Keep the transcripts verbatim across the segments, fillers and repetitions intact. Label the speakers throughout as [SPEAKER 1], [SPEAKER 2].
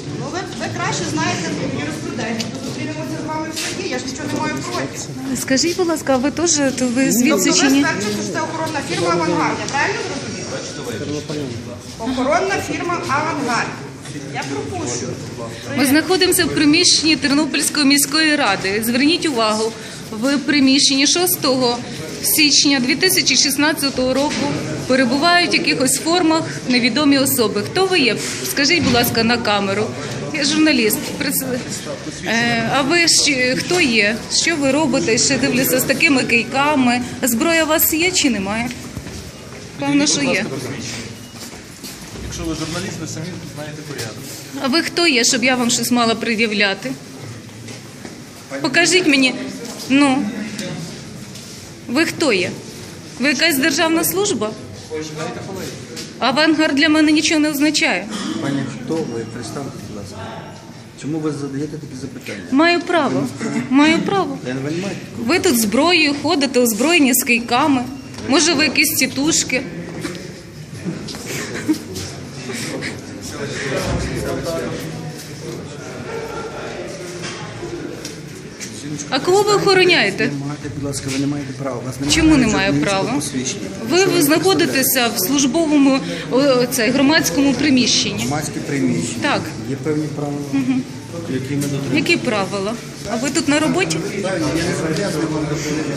[SPEAKER 1] Ну, ви, ви краще знаєте юриспруденцію. Зустрінемося з вами в суді, я ж нічого не маю проти.
[SPEAKER 2] Скажіть, будь ласка, ви теж, то ви звідси
[SPEAKER 1] Тобто
[SPEAKER 2] чи
[SPEAKER 1] ви
[SPEAKER 2] ні?
[SPEAKER 1] стверджуєте, що це охоронна фірма «Авангард», я правильно зрозуміла? Охоронна фірма «Авангард». Я пропущу.
[SPEAKER 2] Ми знаходимося в приміщенні Тернопільської міської ради. Зверніть увагу, в приміщенні шостого січня дві тисячі шістнадцятого року перебувають в якихось формах невідомі особи. Хто ви є? Скажіть, будь ласка, на камеру. Я журналіст. Е, а ви ж хто є? Що ви робите? Ще дивлюся з такими кийками. Зброя у вас є чи немає? Певно, що є.
[SPEAKER 3] Якщо ви журналіст, ви самі знаєте порядок.
[SPEAKER 2] А ви хто є, щоб я вам щось мала пред'являти? Покажіть мені. Ну, ви хто є? Ви якась державна служба? Авангард для мене нічого не означає.
[SPEAKER 4] Пані, хто ви? Представте, будь ласка. Чому ви задаєте такі запитання?
[SPEAKER 2] Маю право. Маю право.
[SPEAKER 4] Я не розумію.
[SPEAKER 2] Ви тут зброєю ходите, озброєні з кийками. Може, ви якісь тітушки? А кого ви охороняєте?
[SPEAKER 4] Не маєте, будь ласка, ви не маєте права. У вас немає
[SPEAKER 2] Чому немає
[SPEAKER 4] журналістського
[SPEAKER 2] права?
[SPEAKER 4] посвідчення.
[SPEAKER 2] Ви,
[SPEAKER 4] Що
[SPEAKER 2] ви знаходитеся в службовому о, це, громадському приміщенні.
[SPEAKER 4] Громадське приміщення.
[SPEAKER 2] Так.
[SPEAKER 4] Є певні правила, які ми дотримуємо.
[SPEAKER 2] Які правила? А ви тут на роботі?
[SPEAKER 4] Я не зобов'язаний вам доповідати.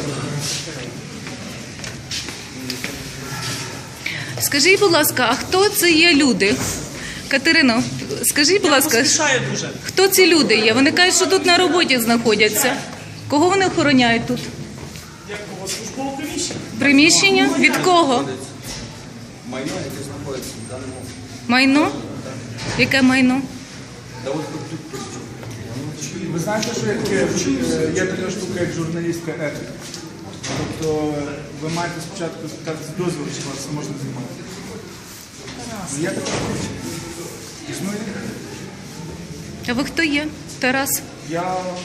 [SPEAKER 2] Скажіть, будь ласка, а хто це є люди? Катерино, скажіть, будь ласка, хто ці люди є? Вони кажуть, що тут на роботі знаходяться. Кого вони охороняють тут?
[SPEAKER 5] Як кого? Службове приміщення?
[SPEAKER 2] Приміщення? Від кого?
[SPEAKER 4] Майно, яке знаходиться в даному.
[SPEAKER 2] Майно? Яке майно?
[SPEAKER 5] Ви знаєте, що є, таке, е, є така штука, як журналістська етика. Тобто ви маєте спочатку спитати дозвіл, чи вас можна знімати. Є така штука? Існує?
[SPEAKER 2] А ви хто є? Тарас?
[SPEAKER 5] Я...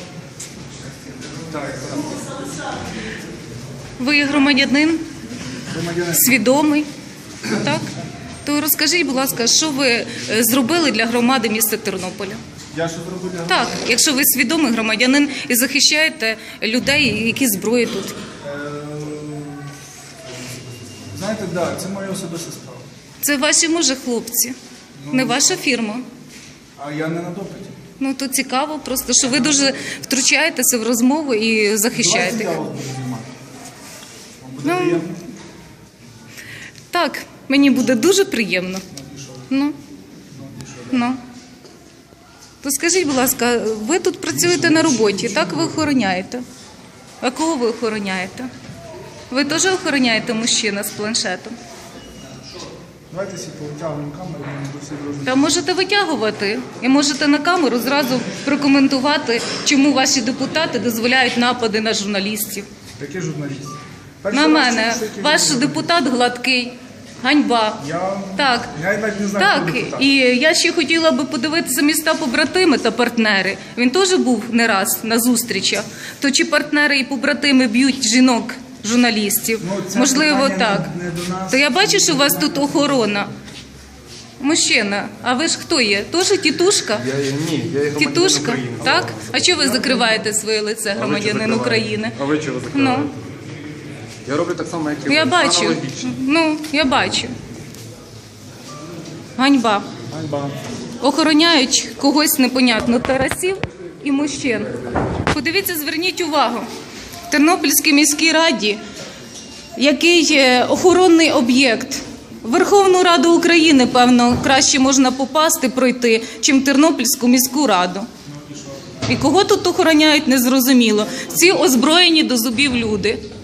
[SPEAKER 5] Так, так.
[SPEAKER 2] Ви є громадянин?
[SPEAKER 5] Громадянин.
[SPEAKER 2] Свідомий? Так? То розкажіть, будь ласка, що ви е, зробили для громади міста Тернополя?
[SPEAKER 5] Я що зробив для
[SPEAKER 2] Так, якщо ви свідомий громадянин і захищаєте людей, які зброї тут.
[SPEAKER 5] Е, Знаєте, так, да, це моя особиста справа.
[SPEAKER 2] Це ваші, може, хлопці, не ваша фірма.
[SPEAKER 5] А я не на допиті.
[SPEAKER 2] Ну, то цікаво просто, що ви дуже втручаєтеся в розмову і захищаєте.
[SPEAKER 5] Давайте я
[SPEAKER 2] їх.
[SPEAKER 5] вас буду знімати. Вам буде
[SPEAKER 2] Ну,
[SPEAKER 5] приємно?
[SPEAKER 2] Так, мені буде дуже приємно. Ну, ну. То скажіть, будь ласка, ви тут працюєте на роботі, так ви охороняєте? А кого ви охороняєте? Ви теж охороняєте мужчина з планшетом?
[SPEAKER 5] Давайте всі повитягуємо камеру, ми до всіх дружно.
[SPEAKER 2] Та можете витягувати і можете на камеру зразу прокоментувати, чому ваші депутати дозволяють напади на журналістів.
[SPEAKER 5] Які журналісти?
[SPEAKER 2] На
[SPEAKER 5] Перший раз
[SPEAKER 2] мене.
[SPEAKER 5] чую, що які
[SPEAKER 2] Ваш
[SPEAKER 5] журналісти.
[SPEAKER 2] депутат гладкий. Ганьба.
[SPEAKER 5] Я...
[SPEAKER 2] Так.
[SPEAKER 5] Я навіть не знаю,
[SPEAKER 2] Так,
[SPEAKER 5] хто депутат.
[SPEAKER 2] і я ще хотіла би подивитися міста побратими та партнери. Він теж був не раз на зустрічах. То чи партнери і побратими б'ють жінок, журналістів?
[SPEAKER 5] Ну, це
[SPEAKER 2] Можливо,
[SPEAKER 5] питання
[SPEAKER 2] так.
[SPEAKER 5] не- не до нас.
[SPEAKER 2] То я бачу, що у вас тут охорона. Мужчина, а ви ж хто є? Теж тітушка?
[SPEAKER 3] Я, ні, я є громадянин
[SPEAKER 2] Тітушка?
[SPEAKER 3] України.
[SPEAKER 2] Так? А чого ви закриваєте своє лице, громадянин України?
[SPEAKER 3] А ви чого закриваєте?
[SPEAKER 2] Ну,
[SPEAKER 3] Я роблю так само, як і ви.
[SPEAKER 2] я бачу.
[SPEAKER 3] Аналогічно.
[SPEAKER 2] Ну, я бачу. Ганьба.
[SPEAKER 5] Ганьба.
[SPEAKER 2] Охороняють когось непонятно, тарасів і мужчин. Подивіться, зверніть увагу. В Тернопільській міській раді, який е, охоронний об'єкт. В Верховну Раду України, певно, краще можна попасти, пройти, чим в Тернопільську міську раду. І кого тут охороняють, незрозуміло. Ці озброєні до зубів люди.